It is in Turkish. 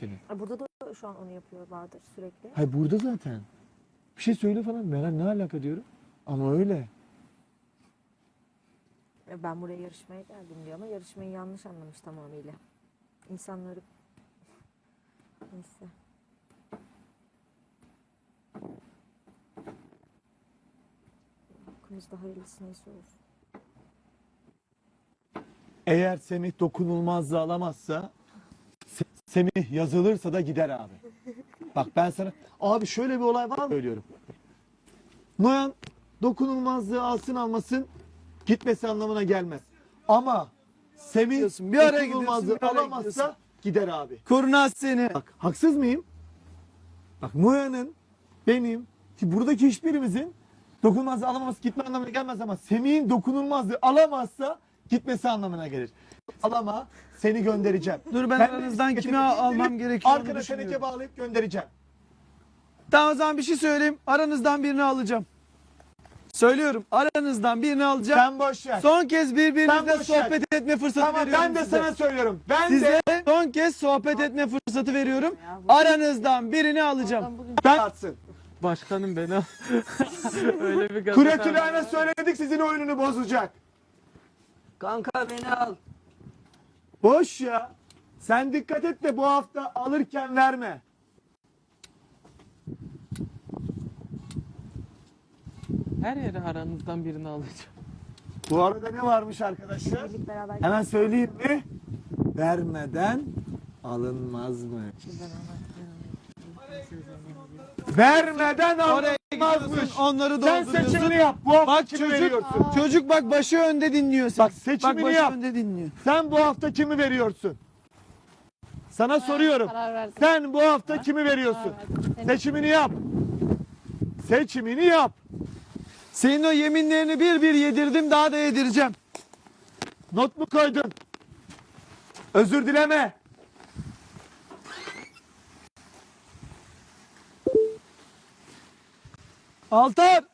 senin. Burada da şu an onu yapıyor Bahadır sürekli. Hayır burada zaten. Bir şey söyle falan. Meral ne alaka diyorum. Ama öyle. Ben buraya yarışmaya geldim diyor ama yarışmayı yanlış anlamış tamamıyla. İnsanları... Neyse. Hakkımızda hayırlısı neyse olsun. Eğer Semih dokunulmazlığı alamazsa Semih yazılırsa da gider abi. Bak ben sana abi şöyle bir olay var mı söylüyorum. Noyan dokunulmazlığı alsın almasın gitmesi anlamına gelmez. Ama Semih Bir araya dokunulmazlığı gidiyorsun, bir araya alamazsa gidiyorsun. gider abi. Kurnaz seni. Bak haksız mıyım? Bak Noyan'ın benim ki buradaki hiçbirimizin dokunulmazlığı alamaması gitme anlamına gelmez ama Semih'in dokunulmazlığı alamazsa gitmesi anlamına gelir. Alama seni göndereceğim. Dur ben Kendi aranızdan kimi bisikletimi almam indirip gerekiyor onu arkana düşünüyorum. teneke bağlayıp göndereceğim. Tamam o zaman bir şey söyleyeyim. Aranızdan birini alacağım. Söylüyorum. Aranızdan birini alacağım. Sen boş ver. Son kez Sen birbirinizle boş ver. sohbet etme fırsatı Tamam veriyorum ben de size. sana söylüyorum. Ben Size de son kez sohbet etme fırsatı veriyorum. Aranızdan birini alacağım. ben atsın. Başkanım beni al. Öyle bir gaza Kuretülen'e söyledik sizin oyununu bozacak. Kanka beni al. Boş ya. Sen dikkat et de bu hafta alırken verme. Her yere aranızdan birini alacağım. Bu arada ne varmış arkadaşlar? Birlik beraber Hemen söyleyeyim mi? Vermeden alınmazmış. Vermeden Oraya gidiyorsun, alınmazmış. onları Sen dolduruyorsun. seçimini yap. Bu hafta Bak kimi çocuk, veriyorsun? çocuk bak başı önde dinliyor seni. Bak seçimini başı yap. önde dinliyor. Sen bu hafta kimi veriyorsun? Sana soruyorum. Karar verdim. Sen bu hafta kimi veriyorsun? Seçimini yap. Seçimini yap. Senin o yeminlerini bir bir yedirdim daha da yedireceğim. Not mu koydun? Özür dileme. Altar!